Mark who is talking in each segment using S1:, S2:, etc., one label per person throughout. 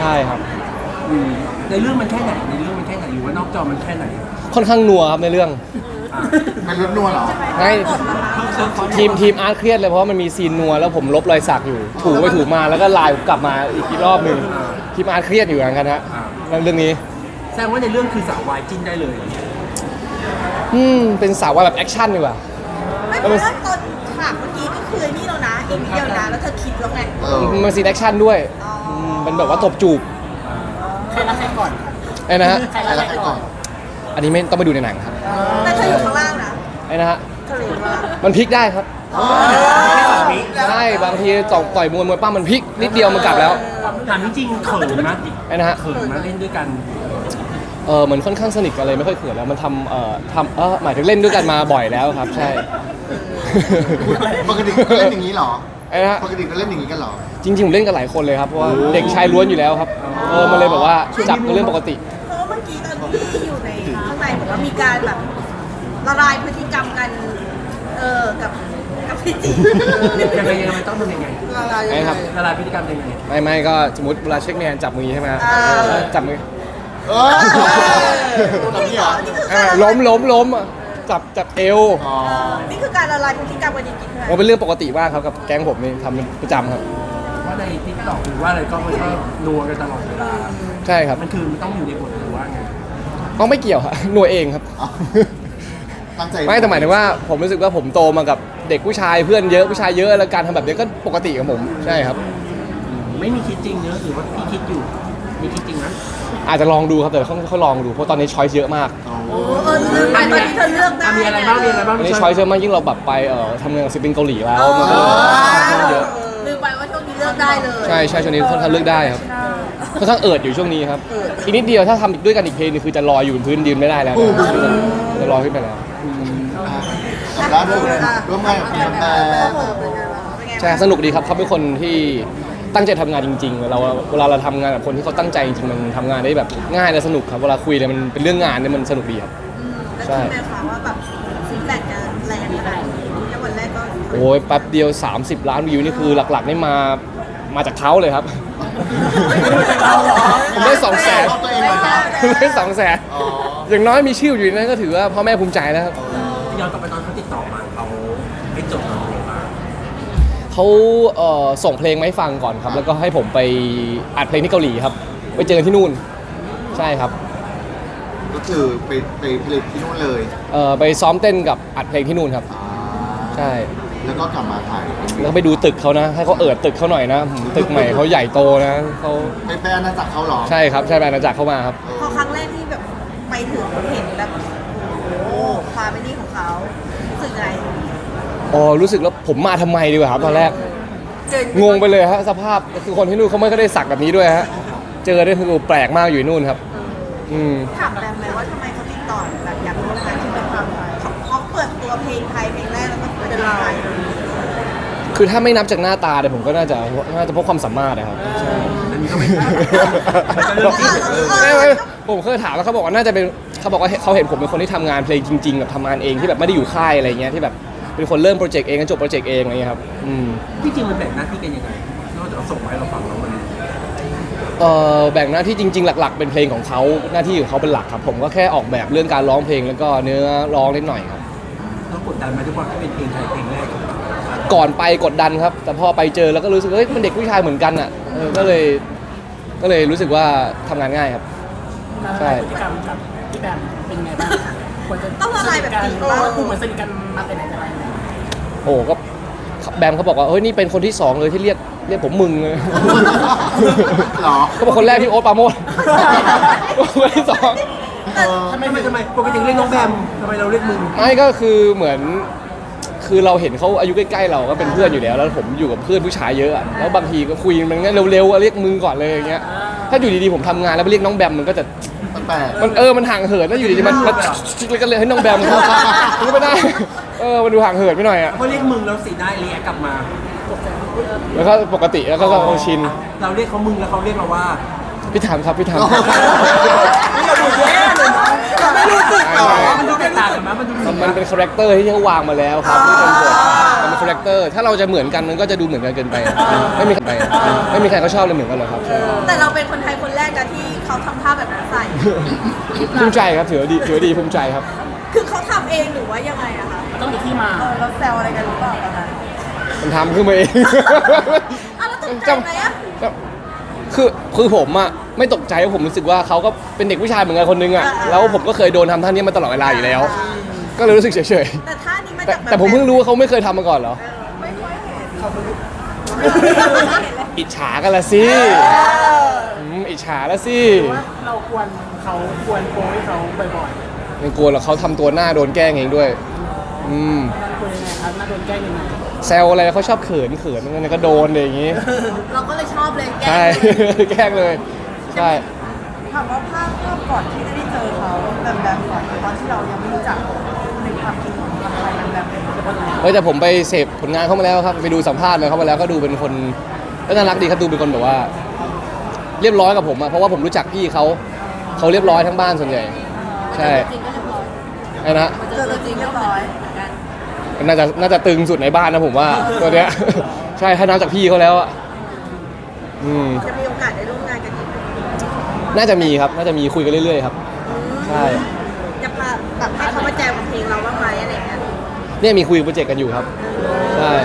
S1: ช่ครับ
S2: ในเรื่องมันแค่ไหนอยู่ว่านอกจอมันแค่ไหน
S1: ค่อนข้างนัวครับในเรื่อง
S3: มันรุนนัวเหรอ
S1: ไงทีมอาร์ตเครียดเลยเพราะว่ามันมีซีนนัวแล้วผมลบรอยสักอยู่ถูไปถูมาแล้วก็ไลน์กลับมาอีกรอบหนึ่งทีมอาร์ตเครียดอยู่เหมือนกันฮะเรื่องนี้
S2: แสดงว่าในเรื่องคือสาววายจิ้นได้เลย
S1: เป็นสาวว่าแบบแอคชั่นดีกว่า
S4: ไม่เพราะว่าตอนฉากเมื่อกี้ก็คือนี่แล้วนะอีกนิดเดียวนะแล้วเธอคิดแล้วไง
S1: มันซีนแอคชั่นด้วยมันแบบว่าตบจูบ
S4: ใครรักใครก่อน
S1: ไอ้นะฮะ
S3: ใครรักใครก่อน
S1: อันนี้ไม่ต้องไปดูในหนังครับ
S4: แต่เธออยู่ข้างล่างนะ
S1: ไอ้นะฮะมันพลิกได้ครับใช่บางทีต่อยมวยปั้มมันพลิกนิดเดียวมันกลับแล้ว
S2: ถามจริงเขินไหม
S1: ไอ้นะฮะ
S2: เขินมาเล่นด้วยกัน
S1: เหมือนค่อนข้างสนิทกันเลยไม่ค่อยเขินแล้วมันหมายถึงเล่นด้วยกันมาบ่อยแล้วครับใช่
S3: ปกติก็เล่นอย่างนี้เหรอ
S1: ไอ้นะฮะ
S3: ปกติก็เล่นอย่างนี้กันเหรอ
S1: จริงๆผมเล่นกับหลายคนเลยครับเพราะว่าเด็กชายล้วนอยู่แล้วครับมันเลยแบบว่าจับเป็นเรื่องปกติ
S4: เพราะเมื่อกี้ตอนที่อยู่ในข้างในบอกว่ามีการแบบละลายพฤติกรรมกันกับพี่จี
S2: ยังไงมันต้องทำยังไงละลายพฤติกรรมยังไง
S1: ไม่ก็สมมติเวลาเช็คแมนจับมือใช่ไหมจับมือล้มจับเอว
S4: นี่คือการละลายพฤติกรรมกันจริงๆใช่ไหม
S1: เป็นเรื่องปกติมากครับกับแก๊งผมนี่ทำประจำครับ
S2: ว่าในทิกตอกหรือว่าอะไรก็มันก็นัวกันตลอดเวลา
S1: ใช่ครับ
S2: มันคือมันต้องอยู่ในบทหรือว่าไง
S1: ต้องไม่เกี่ยวครับนัวเองครับไม่แต่หมายถึงว่าผมรู้สึกว่าผมโตมากับเด็กผู้ชายเพื่อนเยอะผู้ชายเยอะแล้วการทำแบบนี้ก็ปกติกับผมใช่ครับ
S2: ไม่มีคิดจริงเนอะหรือว่าพี่คิดอยู่มีคิดจริงนะ
S1: อาจจะลองดูครับแต่เขาลองดูเพราะตอนนี้ช้อยส์เยอะมาก
S4: เลือกไปตอนนี้เธอเลือกได้
S2: มีอะไรบ้าง
S1: ตอนนี้ช้อยส์เยอะมากยิ่งเราแบบไปทำงานกับศิลปินเกาหลีแล้วมันก็เยอะ
S4: ลืมไปว่าช่วงนี้เลือกได้เลย
S1: ใช่ช่วงนี้ค่อนข้างเลือกได้ครับค่อนข้างอยู่ช่วงนี้ครับอีกนิดเดียวถ้าทำด้วยกันอีกเพลงนึงคือจะลอยอยู่บนพื้นดินไม่ได้แล้วจะลอยขึ้นไปแล้ว
S3: ล่าสุดร่วมงานกับคุณแต่
S1: ใช่สนุกดีครับเขาเป็นคนที่ตั้งใจทำงานจริงๆเวลาเราทำงานกับคนที่เขาตั้งใจจริงๆมันทำงานได้แบบง่ายและสนุกครับเวลาคุยเลยมันเป็นเรื่องงานเนี่ยมันสนุกดีครับ
S4: ใช่แล้วคิดไหมคะว่าแบบฟีดแบ็กจะแรงขนาดนี้แค่วันแรกก็
S1: โอ้ยแป๊บเดียว30 ล้านวิวนี่คือหลักๆนี่มาจากเขาเลยครับผมได้200,000ได้200,000อย่างน้อยมีชื่ออยู่นั้นก็ถือว่าพ่อแม่ภูมิใจแล้วครับ
S2: ย้อนกลับไปตอนเขาติดต่อมาเขาให้จบ
S1: เขาส่งเพลงมาให้ฟังก่อนครับแล้วก็ให้ผมไปอัดเพลงที่เกาหลีครับไปเจอที่นู่นใช่ครับ
S3: ก็คือไปผลิตที่นู่นเลย
S1: ไปซ้อมเต้นกับอัดเพลงที่นู่นครับใช่
S3: แล้วก็กลับมาถ่าย
S1: แล้วไปดูตึกเขานะให้เขาตึกเขาหน่อยนะตึกใหม่เขาใหญ่โตนะเขา
S3: ไปอาณาจักรเขาหรอ
S1: ใช่ครับใช่ไปอาณาจักรเข้ามาครับ
S4: พอครั้งแรกที่แบบไปถึงเห็นแบบโอ้ความเป็นนี่ของเขารู้สึกไง
S1: รู้สึกแล้วผมมาทำไมดีกว่าครับตอนแรกงงไปเลยฮะสภาพคือคนที่นู่นเขาไม่ได้สักแบบนี้ด้วยฮะเจอได้คือแปลกมากอยู่นู่นครับ
S4: ถามแบมไหมว่าทำไมเขาติดต่อแบบอยากร่วมงานที่เป็นความเขาเปิดตัวเพลงไทยเพลงแรกแล้วก็เป็นไทย
S1: คือถ้าไม่นับจากหน้าตาเนี่ยผมก็น่าจะเพราะความสามารถนะครับ
S2: อันนี้ก็ไม่
S1: ผมเคยถามแล้วเขาบอกว่าน่าจะเป็นเขาบอกว่าเขาเห็นผมเป็นคนที่ทำงานเพลงจริงๆแบบทำงานเองที่แบบไม่ได้อยู่ค่ายอะไรเงี้ยที่แบบเป็นคนเริ่มโปรเจกต์เองจบโปรเจกต์เองอะไรเงี้ยครับ
S2: ที่จริงมันแบ่งหน้าที่กันยังไงนอกจากส่งมาให้เราฟังแล้วมัน
S1: แบ่งหน้าที่จริงๆหลักๆเป็นเพลงของเขาหน้าที่ของเขาเป็นหลักครับผมก็แค่ออกแบบเรื่องการร้องเพลงแล้วก็เนื้อร้องนิดหน่อยครับ
S2: แล้วกดดันไหมทุกคนที่เป็นเพลงไทยเพลงแรก
S1: ก่อนไปกดดันครับแต่พอไปเจอแล้วก็รู้สึกเฮ้ยมันเด็กผู้ชายเหมือนกันอ่ะก็เลยรู้สึกว่าทำงานง่ายครับใช่
S5: พฤติกรรมกับพี่แบมเป็นไงบ้างควรจะ
S4: ต้องละลายแบบจริงว่า
S5: ดูเหมือนสนิทกันมาแต่ไหนแต่ไร
S1: โอ้ก็แบมเขาบอกว่าเฮ้ยนี่เป็นคนที่2เลยที่เรียกผมมึงเลย
S3: หรอ
S1: เขาบอกคนแรกที่โอ๊ตปาโมดคนที่
S2: ทำไมปกติเรียกน้องแบมทำไมเราเรียกมึง
S1: ไม่ก็คือเหมือนคือเราเห็นเขาอายุใกล้ๆเราก็เป็นเพื่อนอยู่แล้วแล้วผมอยู่กับเพื่อนผู้ชายเยอะแล้วบางทีก็คุยมันงั้นเร็วๆเรียกมึงก่อนเลยอย่างเงี้ยถ้าอยู่ดีๆผมทำงานแล้วไปเรียกน้องแบมมันก็จะมันห่างเหินแล้วอยู่ดีๆมันก็เลยให้น้องแบมเขาไม่ได้มันดูห่างเหินไปหน่อยอ่ะ
S2: เขาเรียกมึงแล้วสีหน้าเรียกกลับมา
S1: แล้วก็ปกติแล้วก็ชิน
S2: เราเรียกเขามึงแล้วเขาเรียกเราว่า
S1: พี่ถามครับพี่ถาม
S2: เราดูแย่เลยนะไม่รู้สึกมันดูแตกต่างกันมั้ย
S1: มันเป็นคาแรคเตอร์ที่เขาวางมาแล้วครับที่เป็นบทมันเป็นคาแรคเตอร์ถ้าเราจะเหมือนกันมันก็จะดูเหมือนกันเกินไปไม่มีใครเขาชอบเลยเหมือนกันหรอกครับ
S4: แต่เราเป็นคนไทยคนเขาทำท่าแบบนั้นใส่
S1: ภูมิใจครับถือว่าดีภูมิใจครับ
S4: คือเขาทำเองหรือว่ายังไงอะคะ
S5: ต้องมีที่มา
S4: เราแซวอะไรกันหรือเปล่าตอนนั้น
S1: มันทำขึ้นมาเอง
S4: อ้าวแล้วตกใจไหมอะ
S1: คือผมอะไม่ตกใจเพราะผมรู้สึกว่าเขาก็เป็นเด็กผู้ชายเหมือนกันคนนึงอะแล้วผมก็เคยโดนทำท่านี้มาตลอดเวลาอยู่แล้ว ก็เลยรู้สึกเฉย
S4: แต่ท่านี้มา
S1: ๆแต่
S4: จากแบบ
S1: แต่ผมเพิ่งรู้ว่าเขาไม่เคยทำมาก่อนเหรอ
S4: ไม่ค่อยเห็น
S1: อิจฉากันละสิอิจฉาละสิ
S5: ว่าเราควรเขาควรโพสให้เขาบ่อย
S1: ไม่กลัวหรอกเขาทำตัวหน้าโดนแกล้งเองด้วย
S5: ๆนั่นควรยังไงครับน่าโดนแกล้งยังไง
S1: แซวอะไรเขาชอบเขินนั่นก็โดนอะไรอย่างงี้
S4: เราก็เลยชอบเลยแกล้
S1: ใช่
S4: ง
S1: แกล้งเลยใช่
S4: ถามว่าภาพก่อนที่จะได้เจอเขาแบบก่อนตอนที่เรายังไม่รู้จักในความคิดของเราอะไรแบบเป็น
S1: เฮ้ยแต่ผมไปเสพผลงานเขามาแล้วครับไปดูสัมภาษณ์มาเขามาแล้วก็ดูเป็นคนก็น่ารักดีครับดูเป็นคนแบบว่า เรียบร้อยกับผมอะเพราะว่าผมรู้จักพี่เขาเรียบร้อยทั้งบ้านส่วนใหญ่ ใช่
S4: จริงก็เรียบร้อย
S1: ไอ้นะ
S4: เจอตัวจริงเรียบร้อยเหมือนกัน
S1: น่าจะตึงสุดในบ้านนะผมว่าตัวเนี้ย ใช่ถ้านับจากพี่เขาแล้วอะ
S4: จะมีโอกาสได้ร่วมงานกันอีกไหม
S1: น่าจะมีครับน่าจะมีคุยกันเรื่อยๆครับใช่
S4: จะพาแบบให้เขามาแจมกับเพลงเราบ้างไหมอะไรอย่างเงี้ย
S1: เนี่ยมีคุยโปรเจกต์กันอยู่ครับใช่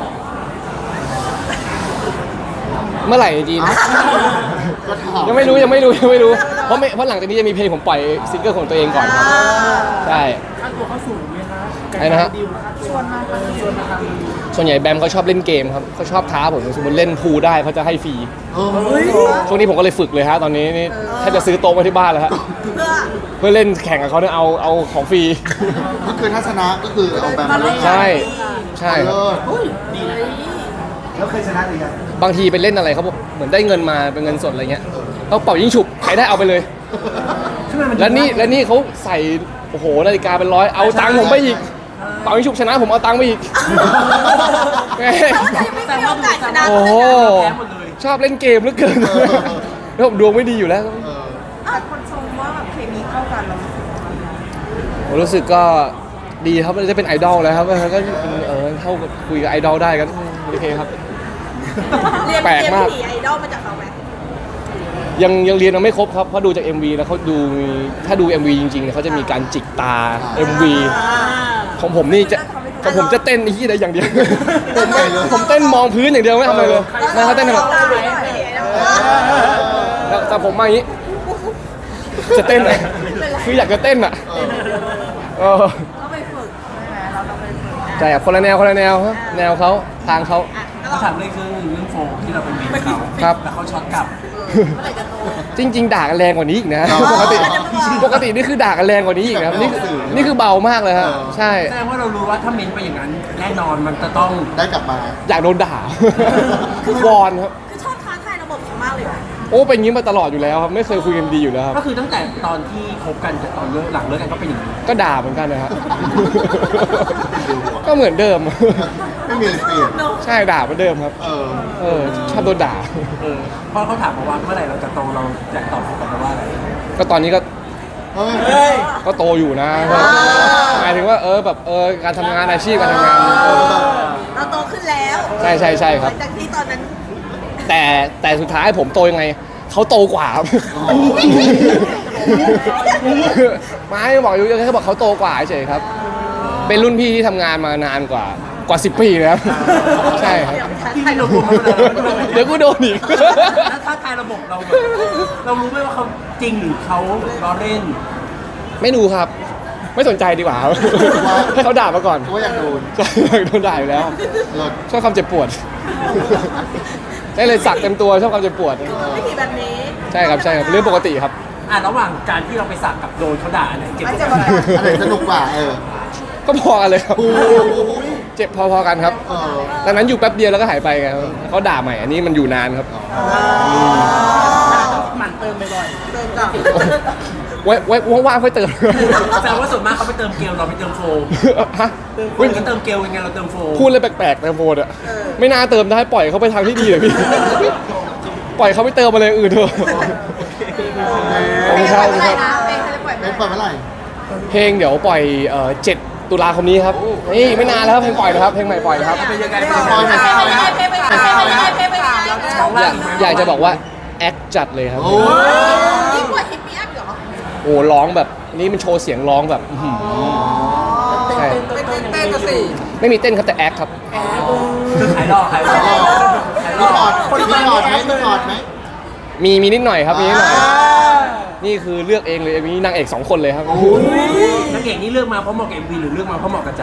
S1: เมื่อไหร่จีน
S3: ก็ถาม
S1: ยังไม่รู้เพราะหลังจากนี้จะมีเพลงผมปล่อยซิงเกิลของตัวเองก่อนครับใช่
S5: ค่าตัวเขาสูงไหมคะ
S1: ไอ้นะฮะ
S5: ดิวค่าตัวชวนมาทำ
S1: ส่วนใหญ่แบมเขาชอบเล่นเกมครับเขาชอบท้าผมสมมติเล่นพูลได้เขาจะให้ฟรี
S3: เฮ้ย
S1: ช่วงนี้ผมก็เลยฝึกเลยฮะตอนนี้นี่แทบจะซื้อโต๊ะมาที่บ้านแล้วฮะ
S4: เพื่อ
S1: เพื่อเล่นแข่งกับเขาเนี่ยเอาของฟรี
S3: ก็คือถ้าชนะก็คือเอาแบบมาเล่น
S1: ใช่ใช่ครับ
S3: เลิศ
S5: ดีนะ
S3: แล้วเคยชนะหรือยัง
S1: บางทีไปเล่นอะไรเขาบอกเหมือนได้เงินมาเป็นเงินสดอะไรเงี้ยเขาเป่ายิงฉุบใครได้เอาไปเลย แล้วนี่เขาใส่โอ้โหนาฬิกาเป็นร้อยเอาตังค์ผมไปอีกเป่ายิงฉุบชนะผมเอาตังค์ไปอีกแม่
S4: แต่ว่าโอกาสชนะ
S1: โอ้โห
S5: แพ้หมดเลย
S1: ชอบเล่นเกมเหลือเกินแล้วผมดวงไม่ดีอยู่แล้ว
S4: แต่คนชมว่าแบบเคมีเข้ากันเรา
S1: ผมรู้สึกก็ดีครับมันจะเป็นไอดอลแล้วครับก็เข้ากับคุยกับไอดอลได้กันโอเคครับ
S4: เรียน
S1: แปลกมาก
S4: ผีไอดอลมาจากเขาไหม
S1: ยังเรียนยังไม่ครบครับเพราะดูจาก MV แล้วเขาดูถ้าดู MV จริงๆเนี่ยเขาจะมีการจิกตา MV ของผมนี่จะของผมจะเต้นที่ใดอย่างเดียว ผมเต้นมองพื้นอย่างเดียวไม่ทำอะไรเลยนะเขาเต้นแบบ แต่ผมมาอย่างนี้ จะเต้นอะคืออยากจะเต้นอะเออ
S4: ต้องไปฝึกใช่ไหมเราต้องไปฝึก
S1: ใช่ครับคนละแนวครับแนวเขาทางเขา
S5: เขาถามเรื่องโฟมที่เราเป็นเมนเขา
S1: ครับ
S5: แล้วเขาช็อตกลับ
S4: เมื่อไหร่จะโต
S1: จริง ๆ ด่ากันแรงกว่านี้อีกนะปกตินี่คือด่ากันแรงกว่านี้อีกนะครับนี่คือเบามากเลยฮะใช่
S5: แสดงว่าเรารู้ว่าถ้าเมนไปอย่างนั้นแน่นอนมันจะต้อง
S3: ได้กลับมา
S1: อยากโดนด่า วอนครับ
S4: คือชอบท้าทายระบบเขามากเลยอะ
S1: โอ้เป็นอย่างนี้มาตลอดอยู่แล้วครับไม่เคยคุยกันดีอยู่แล้วครับ
S5: ก็คือตั้งแต่ตอนที่คบกันกับตอนเลิกหลังเลิกกันก็เป็นอย่างนี้
S1: ก็ด่าเหมือนกันนะครับ ก็เหมือนเดิม
S3: ไม่มีอะไรเปลี่ยน
S1: ใช่ด่าเหมือนเดิมครับ ชอบโดนด่า
S5: เพราะเขาถามมาว่าเมื่อไหร่เราจะโตเราอยากตอบเขากลับมาว่าอะไร
S1: ก็ตอนนี้ก็
S3: เฮ้ย
S1: ก็โตอยู่นะหมายถึงว่าแบบการทำงานอาชีพการทำงาน
S4: เราโตขึ้นแล้ว
S1: ใช่ครับ
S4: หลังจากที่ตอนนั้น
S1: แต่สุดท้ายผมโตยังไงเขาโตกว่าครับไม่บอกอยู่แค่บอกเขาโตกว่าเฉยครับ เป็นรุ่นพี่ที่ทำงานมานานกว่า10 ปีแล้วใช่ครับ
S5: ที่ไม่รู้เขาเลย
S1: เดี๋ยวกูโดนอีก
S5: แล้วถ้าทายระบบเราแบบเรารู้ไหมว่าเขาจริงหรือเขาล้อเล่น
S1: ไม่รู้ครับ ไม่สนใจดีกว่าครับให้เขาด่ามาก่อน
S3: ว่าอยากโดน
S1: ใช่โดนด่าอยู่แล้ว
S3: เลิศ
S1: ชอบความเจ็บปวดได้เลยสักเต็มตัวชอบความเจ็บปวด
S4: วิธีแบบนี้
S1: ใช่ครับเรื่องปกติครับ
S5: ระหว่างการที่เราไปสักกับโดนเขาด่าเนี่ยเจ็บ
S4: มัน
S5: ก
S4: จะ
S5: ว่า
S4: มา
S5: กัน
S3: อะไรสนุกกว่า
S1: ก็พอกันเลยครับ
S3: โอ้โห
S1: เจ็บพอๆกันครับตอนนั้นอยู่แป๊บเดียวแล้วก็หายไปไงเขาด่าใหม่อันนี้มันอยู่นานครับ
S5: หมั่นเติมบ่อย
S4: เติมกลับ
S1: ไว้ว่างๆค่อยเติม
S5: ๆแต่ว่าส่วนมากเขาไปเติมเกลเราไปเติมโฟม
S1: ฮะ
S5: คุณก็เติมเกลยังไงเราเติมโฟม
S1: พูดเลยแปลกๆแต่โฟนอะไม่น่าเติมได้ปล่อยเขาไปทางที่ดีเลยพี่ ปล่อยเขาไปเติมอะไรอื่นเถอะ
S4: ไม่ใช่อะไรนะไม่ใช่ปล่อย
S3: เป็นเปิดเมื่อไหร่
S1: เพลงเดี๋ยวปล่อย7 ตุลาคมนี้ครับนี่ไม่นานแล้วครับเพลงปล่อยนะครับเพลงใหม่ปล่อยนะครับ
S5: เป็นยังไง
S3: ปล่อยหน่อย
S4: เพลงไป
S1: อยากจะบอกว่าแอคจัดเลยครับ
S3: โอ้ย
S1: โอ้ร้องแบบนี่มันโชว์เสียงร้องแบบอื้อหือใช่
S2: เต้นกันสิ
S1: ไม่มีเต้นครับแต่แอคครับ
S5: คือขายหลอกขายหลอกขายหล
S3: มี
S5: อก
S3: ถอดมีถอดไหมมีถอดไหม
S1: มีนิดหน่อยครับมีนิดหน่อยนี่คือเลือกเองเลยมีนางเอก2 คนเลยครับ
S5: นักเอกนี่เลือกมาเพราะเหมาะกับ MV หรือเลือกมาเพราะเหมาะกับใจ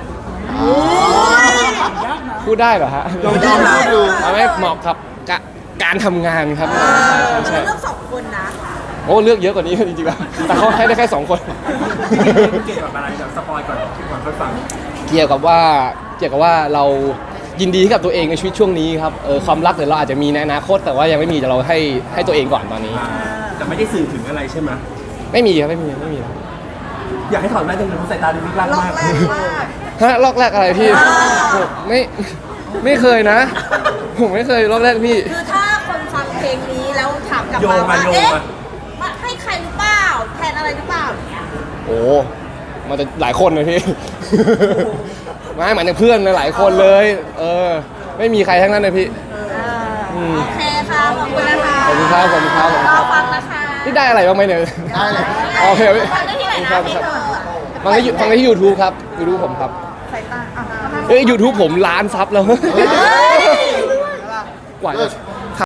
S1: พูดได้เหรอฮะ
S3: ลองพูดดู
S1: เอาไม่เหมาะกับการทำงานครับใช่
S4: เลือก2 คนนะ
S1: โอ้เลือกเยอะกว่านี้จริงๆแล้วแต่เขาให้ได้แค่2 คน
S5: เกี่ยวกับอะไรแบบสปอยก่อนค่อยฟัง
S1: เกี่ยวกับว่าเรายินดีกับตัวเองในชีวิตช่วงนี้ครับความรักเดี๋ยวเราอาจจะมีในอนาคตแต่ว่ายังไม่มีแต่เราให้ตัวเองก่อนตอนนี้
S5: แต่ไม่ได้สื่อถึงอะไรใช่ไหม
S1: ไม่มีครับไม่มี
S5: อยากให้ถอดแว่นจังเลยเพราะสายตาดูลึกลับ
S4: รอบ
S5: มาก
S4: แรกมาก
S1: ฮะลอกแรกอะไรพี่ผมไม่เคยนะ ผมไม่เคยลอกแรกพี่
S4: คือถ้าคนฟังเพลงนี้แล้วถามกลับ
S5: โย
S4: มาง
S5: มา
S4: ว่า
S5: โยง
S4: เอ๊ะ
S5: มา
S4: มาให้ใครหรือเปล่าแทนอะไรหรือเปล่าอย่างเงี้ย
S1: โอ้มันจะหลายคนเลยพี่ ไม่หมายถึงเพื่อนหลายคนเลย ไม่มีใครทั้งนั้นเลยพี่
S4: โอเคค่ะขอบคุณนะคะ
S1: ขอบคุณครับขอบคุณครับขอบคุณ
S4: ร
S1: ค
S4: อ
S1: รับ
S4: ฟังนะคะ
S1: นี่ได้อะไรบ้างไหมเนี่ย
S3: ได้เลย
S1: โอเคพี่
S4: ฟังได้ที่ไหนนะเพลงเธอ
S1: ฟังได้ที่ YouTube ครับ YouTube ผมครับ
S4: สายตาอ่ะ
S1: YouTube ผม1,000,000 ซับแล้ว กว่าจะ